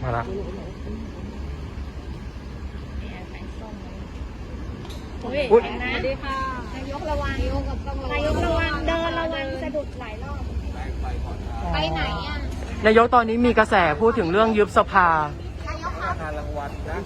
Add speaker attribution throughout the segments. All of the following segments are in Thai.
Speaker 1: มาละ
Speaker 2: อุ้ยนะสวัสดีค่ะนายกระวังนายกระวังเดินระวังสะดุดหลายรอบไปไหนอ่ะ
Speaker 1: นายกตอนนี้มีกระแสพูดถึงเรื่องยุบสภา
Speaker 2: นายกคะ
Speaker 3: รางวัลนะ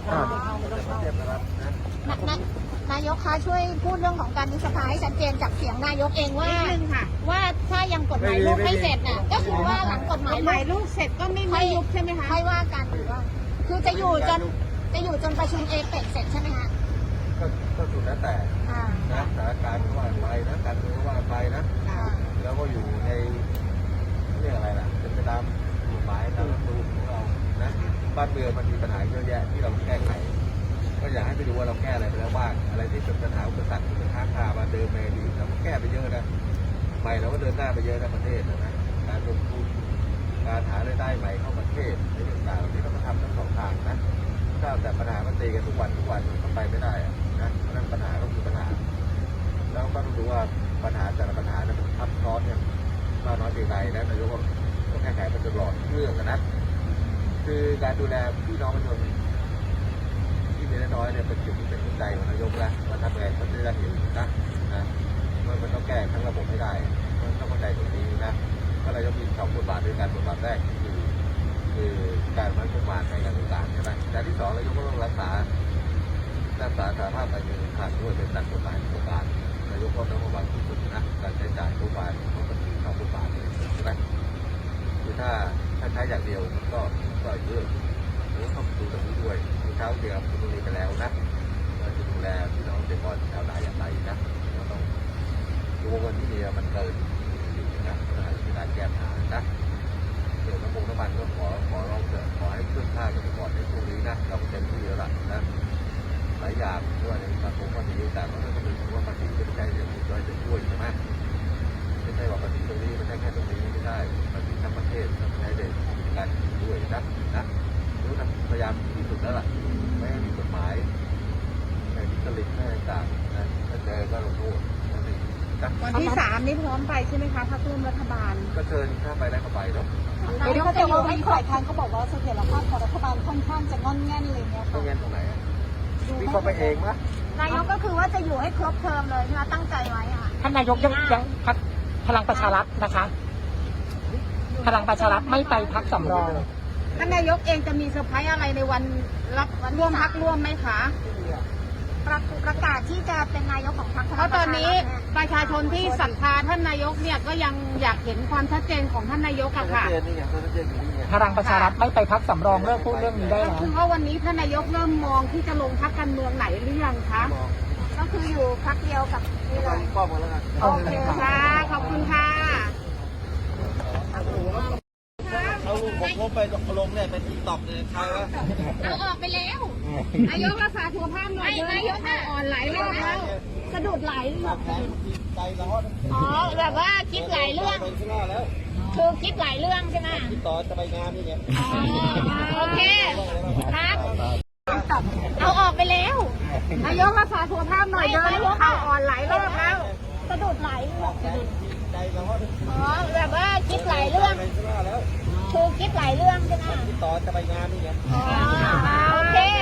Speaker 2: นายกคะช่วยพูดเรื่องของการยุบสภาให้ชัดเจนจากเสียงนายกเองว่าถ้ายังกฎหมายลูกไม่เสร็จน่ะก็คือว่าหลังกฎหมายลูกเสร็จก็ไม่ยุบใช่ไหมคะไม่ว่ากันหรือว่าคือจะอยู่จนประชุมเอเปกเสร็จใช่ไหมคะ
Speaker 3: ก็สุดแล้วแต่นะสถานการณ์ก็ว่าไปนะการเมืองก็ว่าไปนะแล้วก็อยู่ในเรื่องอะไรล่ะเป็นไปตามกฎหมายตามรัฐธรรมนูญของเรานะบ้านเมืองมันมีปัญหาเยอะแยะที่เราแก้ไขก็อยากให้ไปดูว่าเราแก้อะไรไปแล้วบ้างอะไรที่เป็นปัญหาอุปสรรคเป็นค้างคามาเดิมในอดีตเราก็แก้ไปเยอะนะใหม่เราก็เดินหน้าไปเยอะนะประเทศนะการลงทุนการหารายได้ใหม่เข้าประเทศในต่างๆที่เราก็ทำทั้งสองทางนะถ้าแต่ปัญหามันตีกันทุกวันมันก็ไปไม่ได้นะเพราะนั้นปัญหาก็คือปัญหาแล้วก็ต้องดูว่าปัญหาแต่ละปัญหาเนี่ยมันทับซ้อนเนี่ยมากน้อยเพียงไรนะนายกก็แก้ไขมันตลอดเรื่องนะคือการดูแลพี่น้องประชาชนที่มีน้อยเนี่ยเป็นจุดที่เป็นหัวใจของนายกแล้วว่าทำไงมันจะได้เห็นนะมันต้องแก้ทั้งระบบให้ได้มันต้องเข้าใจตรงนี้นะเพราะนายกมีสองบทบาทด้วยกันบทบาทแรกคือการมั่นคงในการต่างๆใช่ไหมการที่สองนายกก็ต้องรักษาสาภาพการเงินขาดด้วยเป็นตัดกฎหมายโครงการนายกก็ต้องระวังที่สุดนะการใช้จ่ายโครงการของประเทศเข้าโครงการใช่ไหมคือถ้าใช้อย่างเดียวมันก็เยอะแล้วต้องดูตรงนี้ด้วยเช้าเดียวคุณตรงนี้ไปแล้วนะเราจะดูแลพี่น้องเกษตรกรชาวนาอย่างไรนะเราต้องดูว่าเงินที่มีมันเกินนะเราจะมีการแก้ปัญหานะเกี่ยวกับน้ำมันก็ขอร้องเถอะขอให้ขึ้นค่าเกษตรกรในช่วงนี้นะเราเต็มที่แล้วล่ะนะหลายอย่างด้วยในสังคมก็ดีแต่เราต้องดูว่าภาษีจะใช้เรื่องอื่นด้วยจะช่วยใช่ไหมไม่ใช่ว่าภาษีตรงนี้ไม่ใช่แค่ตรงนี้ไม่ได้ภาษีทั้งประเทศต้องใช้ในการด้วยนะรู้ทำพยายามที่สุดแล้วล่ะไม่ให้มีกฎหมายไม่มีสลิปไม่ต่างนะถ้าเจอก็ลงโทษ
Speaker 2: วันที่3นี่พร้อมไปใช่ไหมคะพรรคร่วมรัฐบาล
Speaker 3: ก็เชิญถ้าไปได้ก็ไปเนาะ
Speaker 2: เดี๋ยวเขาจะอยู่ให้ฝ่ายค้านเขาบอกว่าเสถียรภาพของรัฐบาลค่อนข้างจะงอนแง่นเลยเนี่ยค่ะ
Speaker 3: งอนแง่นตรงไหนวิเคราะห์ไปเองมั้ย
Speaker 2: นายกก็คือว่าจะอยู่ให้ครบเทอมเลยใช่ไหมตั้งใจไว้ค่ะ
Speaker 1: ท่านนายกยังพรรคพลังประชารัฐนะคะพลังประชารัฐไม่ไปพรรคสำรอง
Speaker 2: ท่านนายกเองจะมีเซอร์ไพรส์อะไรในวันรับร่วมพรรคร่วมไหมคะประกาศที่จะเป็นนายกของพรรคเพราะตอนนี้ประชาชนที่ศรัทธาท่านนายกเนี่ยก็ยังอยากเห็นความชัดเจนของท่านนายกอะค่ะ
Speaker 1: พลังประชารัฐไม่ไปพรรคสำรองเลิกพูดเรื่องนี้ได้แล้ว
Speaker 2: คือว่าวันนี้ท่านนายกเริ่มมองที่จะลงพรรคการเมืองไหนหรือยังคะก็คืออยู่พรรคเดียวกับนี่เลยโอเคค่ะขอบคุณค่ะ
Speaker 3: เอาลูกผมไปลงเนี่ยเป็นติ๊กต็อกเนี่ยใครวะ
Speaker 2: เอาออกไปแล้วนายกรักษาสุขภาพหน่อยนายกอ่อนหลายรอบแล้วสะดุดหลายรอบอ๋อแบบว่าคิดหลายเรื่องคือคิดหลายเรื่องใช่ไหม
Speaker 3: ต่อจะไปงานนี่ไง
Speaker 2: โอเคครับเอาออกไปแล้วนายกรักษาสุขภาพหน่อยเดินเอาอ่อนหลายรอบแล้วสะดุดหลายอ๋อแบบว่าคิดหลายเรื่องคือคิดหลายเรื่องใช่ไหม
Speaker 3: ต่อจะไปงานนี่ไง
Speaker 2: โอเค